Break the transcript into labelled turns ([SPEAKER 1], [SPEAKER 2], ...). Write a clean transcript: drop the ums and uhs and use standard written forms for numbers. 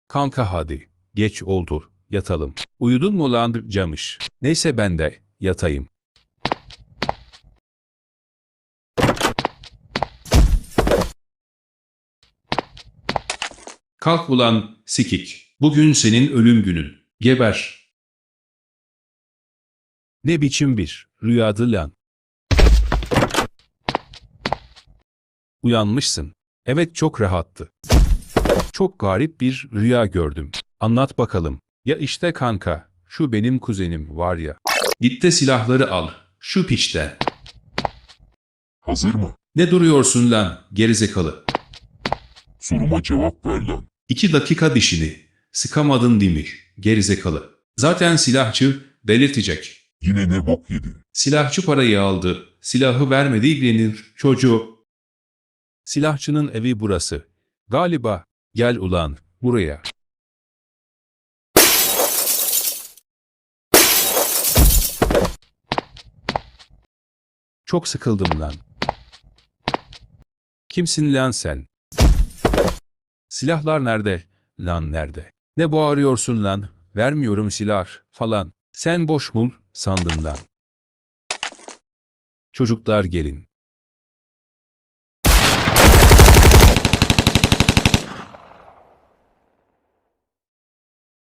[SPEAKER 1] Kanka hadi. Geç oldu. Yatalım. Uyudun mu lan camış? Neyse ben de yatayım. Kalk ulan sikik. Bugün senin ölüm günün. Geber. Ne biçim bir rüyadı lan? Uyanmışsın. Evet çok rahattı. Çok garip bir rüya gördüm. Anlat bakalım. Ya işte kanka, şu benim kuzenim var ya. Git de silahları al. Şu piçten.
[SPEAKER 2] Hazır mı?
[SPEAKER 1] Ne duruyorsun lan gerizekalı?
[SPEAKER 2] Soruma cevap ver lan.
[SPEAKER 1] 2 dakika dişini. Sıkamadın değil mi? Gerizekalı. Zaten silahçı delirtecek.
[SPEAKER 2] Yine ne bok yedin?
[SPEAKER 1] Silahçı parayı aldı. Silahı vermedi ilgilenir çocuğu. Silahçının evi burası. Galiba. Gel ulan buraya. Çok sıkıldım lan. Kimsin lan sen? Silahlar nerede? Lan nerede? Ne bağırıyorsun lan? Vermiyorum silah falan. Sen boş mul sandın lan. Çocuklar gelin.